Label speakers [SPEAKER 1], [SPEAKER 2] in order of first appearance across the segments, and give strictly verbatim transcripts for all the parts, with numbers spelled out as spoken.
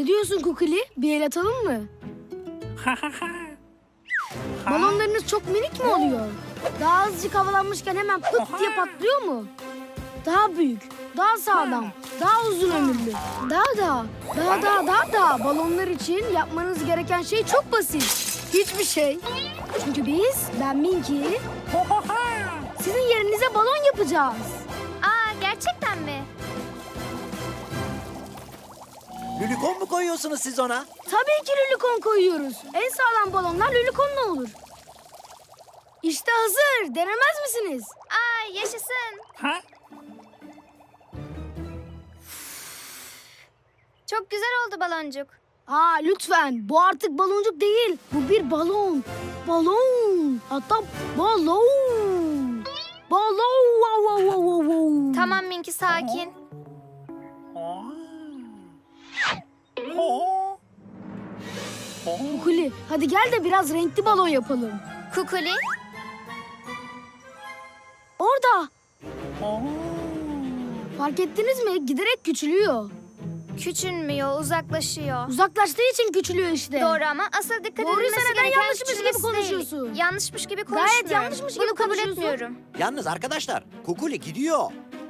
[SPEAKER 1] Ne diyorsun Kukuli? Bir el atalım mı? Balonlarınız çok minik mi oluyor? Daha azıcık havalanmışken hemen pıt diye patlıyor mu? Daha büyük, daha sağlam, daha uzun ömürlü. Daha daha, daha daha daha daha. Balonlar için yapmanız gereken şey çok basit. Hiçbir şey. Çünkü biz, ben Minky, sizin yerinize balon yapacağız.
[SPEAKER 2] Aa, gerçekten mi?
[SPEAKER 3] Lülikon mu koyuyorsunuz siz ona?
[SPEAKER 1] Tabii ki lülikon koyuyoruz. En sağlam balonlar lülikonla olur. İşte hazır. Denemez misiniz?
[SPEAKER 2] Aa, yaşasın. Çok güzel oldu baloncuk.
[SPEAKER 1] Aa lütfen. Bu artık baloncuk değil. Bu bir balon. Balon. Hatta balon. Balon. Wow, wow, wow, wow, wow.
[SPEAKER 2] Tamam Minky, sakin.
[SPEAKER 1] Kukuli, hadi gel de biraz renkli balon yapalım.
[SPEAKER 2] Kukuli.
[SPEAKER 1] Orada. Fark ettiniz mi? Giderek küçülüyor.
[SPEAKER 2] Küçülmüyor, uzaklaşıyor.
[SPEAKER 1] Uzaklaştığı için küçülüyor işte.
[SPEAKER 2] Doğru ama asıl dikkat
[SPEAKER 1] Doğruysa
[SPEAKER 2] edilmesi
[SPEAKER 1] neden
[SPEAKER 2] gereken
[SPEAKER 1] yanlışmış gibi
[SPEAKER 2] küçülmesi değil.
[SPEAKER 1] konuşuyorsun?
[SPEAKER 2] Yanlışmış gibi
[SPEAKER 1] Gayet
[SPEAKER 2] konuşmuyorum.
[SPEAKER 1] yanlışmış gibi
[SPEAKER 2] Bunu kabul
[SPEAKER 1] konuşuyorsun.
[SPEAKER 2] etmiyorum.
[SPEAKER 3] Yalnız arkadaşlar, Kukuli gidiyor.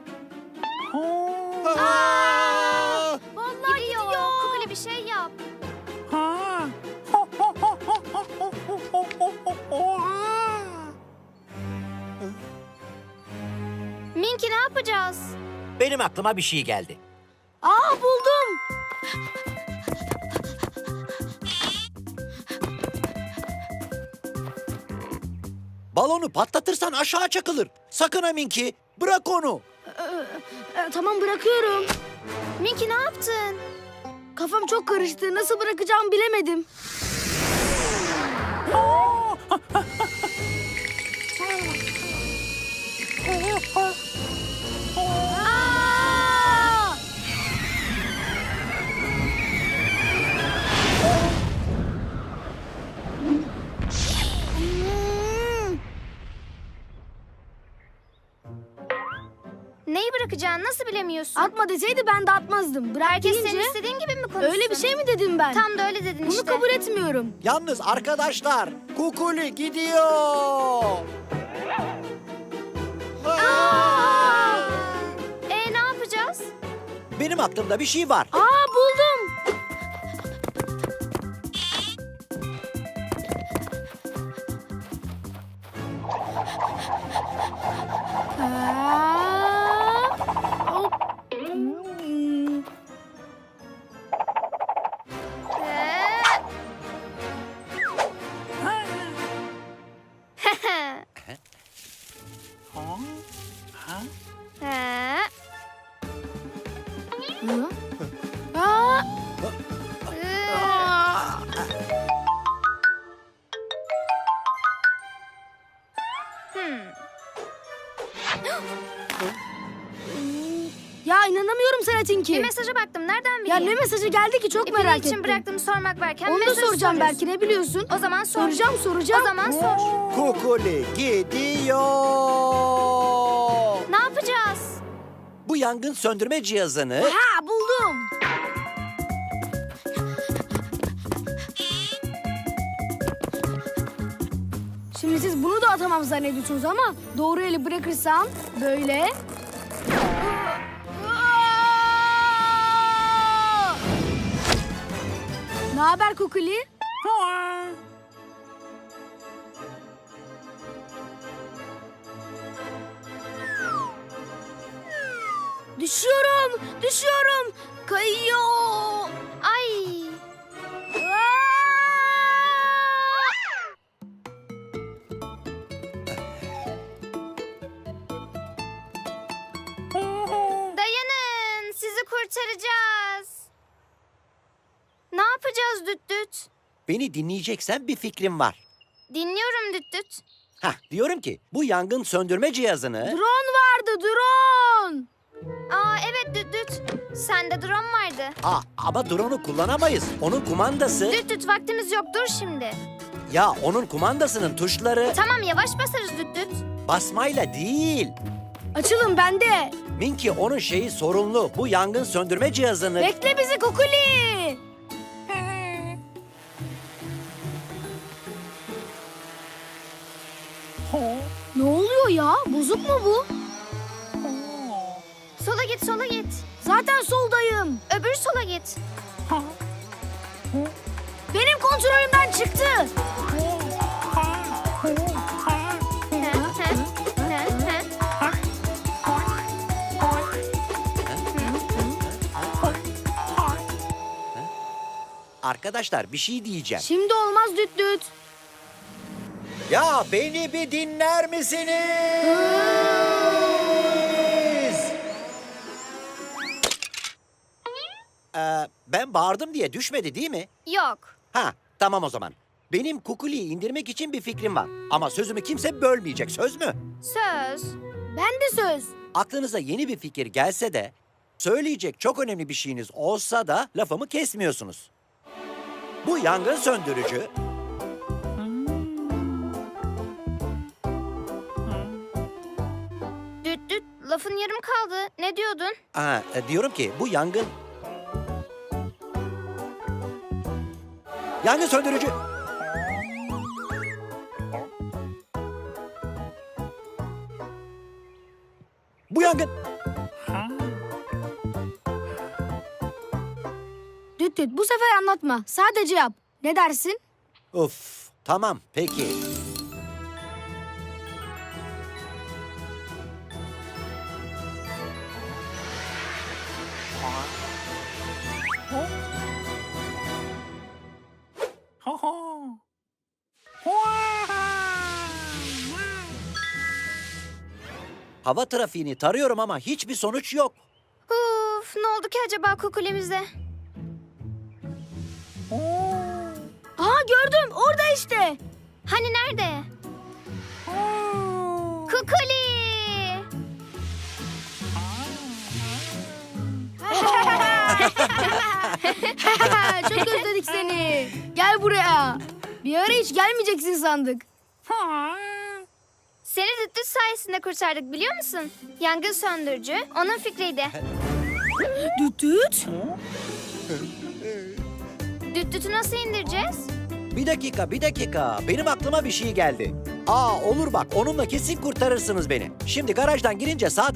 [SPEAKER 2] Aa!
[SPEAKER 1] Vallahi
[SPEAKER 2] Gidiyor.
[SPEAKER 1] gidiyor.
[SPEAKER 2] Kukuli bir şey yap. Minky, ne yapacağız?
[SPEAKER 3] Benim aklıma bir şey geldi.
[SPEAKER 1] Aa buldum.
[SPEAKER 3] Balonu patlatırsan aşağı çakılır. Sakın ha Minky, bırak onu.
[SPEAKER 1] Ee, tamam bırakıyorum.
[SPEAKER 2] Minky, ne yaptın?
[SPEAKER 1] Kafam çok karıştı. Nasıl bırakacağımı bilemedim. Aa! Hmm.
[SPEAKER 2] Neyi bırakacağını nasıl bilemiyorsun?
[SPEAKER 1] Atma deseydi ben de atmazdım. Bırak
[SPEAKER 2] Herkes
[SPEAKER 1] deyince
[SPEAKER 2] senin istediğin gibi mi konuşsun?
[SPEAKER 1] öyle bir şey mi dedim ben?
[SPEAKER 2] Tam da öyle dedin
[SPEAKER 1] Bunu
[SPEAKER 2] işte.
[SPEAKER 1] kabul etmiyorum.
[SPEAKER 3] Yalnız arkadaşlar, Kukuli gidiyor.
[SPEAKER 2] Aa! E ne yapacağız?
[SPEAKER 3] Benim aklımda bir şey var.
[SPEAKER 1] Aa buldum. Aa, hop. Hmm.
[SPEAKER 2] Ee? Ee?
[SPEAKER 1] Hı? Aa,
[SPEAKER 2] Ee?
[SPEAKER 1] aa.
[SPEAKER 2] Hmm.
[SPEAKER 1] Ya inanamıyorum sana Tinky.
[SPEAKER 2] Bir mesaja baktım. Nereden
[SPEAKER 1] Ya
[SPEAKER 2] bileyim?
[SPEAKER 1] ne mesajı geldi ki çok
[SPEAKER 2] İpini
[SPEAKER 1] merak
[SPEAKER 2] için
[SPEAKER 1] ettim.
[SPEAKER 2] bıraktım sormak varken
[SPEAKER 1] Onu da
[SPEAKER 2] mesajı
[SPEAKER 1] soracağım
[SPEAKER 2] soruyorsun.
[SPEAKER 1] belki, ne biliyorsun?
[SPEAKER 2] O zaman sor.
[SPEAKER 1] Soracağım soracağım.
[SPEAKER 2] O zaman sor.
[SPEAKER 3] Kukuli gidiyor.
[SPEAKER 2] Ne yapacağız?
[SPEAKER 3] Bu yangın söndürme cihazını...
[SPEAKER 1] Ha buldum. Şimdi siz bunu da atamam zannediyorsunuz ama doğru eli bırakırsam böyle. Ne haber Kukuli? Düşüyorum, düşüyorum. Kayıyor.
[SPEAKER 2] Ay.
[SPEAKER 1] Aa!
[SPEAKER 2] Dayanın. Sizi kurtaracağız. Ne yapacağız Düt Düt?
[SPEAKER 3] Beni dinleyeceksen bir fikrim var.
[SPEAKER 2] Dinliyorum Düt Düt.
[SPEAKER 3] Hah, diyorum ki bu yangın söndürme cihazını...
[SPEAKER 1] Drone vardı, drone.
[SPEAKER 2] Aa evet Düt Düt. Sende drone vardı.
[SPEAKER 3] Aa, ama drone'u kullanamayız. Onun kumandası...
[SPEAKER 2] Düt Düt, vaktimiz yok, dur şimdi.
[SPEAKER 3] Ya onun kumandasının tuşları
[SPEAKER 2] Tamam, yavaş basarız Düt Düt.
[SPEAKER 3] basmayla değil.
[SPEAKER 1] Açılın bende.
[SPEAKER 3] Minky onun şeyi sorunlu. Bu yangın söndürme cihazını...
[SPEAKER 1] Bekle bizi Kukuli. Ne oluyor ya? Bozuk mu bu?
[SPEAKER 2] Sola git, sola git.
[SPEAKER 1] Zaten soldayım.
[SPEAKER 2] Öbür sola git.
[SPEAKER 1] Benim kontrolümden çıktı.
[SPEAKER 3] Arkadaşlar bir şey diyeceğim.
[SPEAKER 1] Şimdi olmaz düt düt.
[SPEAKER 3] Ya beni bir dinler misiniz? Ee, ben bağırdım diye düşmedi değil mi?
[SPEAKER 2] Yok.
[SPEAKER 3] Ha, tamam o zaman. Benim Kukuli'yi indirmek için bir fikrim var. Ama sözümü kimse bölmeyecek, söz mü?
[SPEAKER 2] Söz.
[SPEAKER 1] Ben de söz.
[SPEAKER 3] Aklınıza yeni bir fikir gelse de, söyleyecek çok önemli bir şeyiniz olsa da lafımı kesmiyorsunuz. Bu yangın söndürücü...
[SPEAKER 2] Düt düt, lafın yarım kaldı. Ne diyordun?
[SPEAKER 3] Aa, e, diyorum ki bu yangın... Yangın söndürücü... Bu yangın...
[SPEAKER 1] Düt düt bu sefer anlatma. Sadece yap. Ne dersin?
[SPEAKER 3] Of, tamam peki. Hava trafiğini tarıyorum ama hiçbir sonuç yok.
[SPEAKER 2] Uf, ne oldu ki acaba kukulemize?
[SPEAKER 1] Aa gördüm. Orada işte.
[SPEAKER 2] Hani nerede? Kukuli!
[SPEAKER 1] Çok özledik seni. Gel buraya. Bir ara hiç gelmeyeceksin sandık.
[SPEAKER 2] Seni düt düt sayesinde kurtardık biliyor musun? Yangın söndürücü onun fikriydi.
[SPEAKER 1] Düt düt.
[SPEAKER 2] Düt dütü nasıl indireceğiz?
[SPEAKER 3] Bir dakika, bir dakika. Benim aklıma bir şey geldi. Aa olur bak, onunla kesin kurtarırsınız beni. Şimdi garajdan girince sağ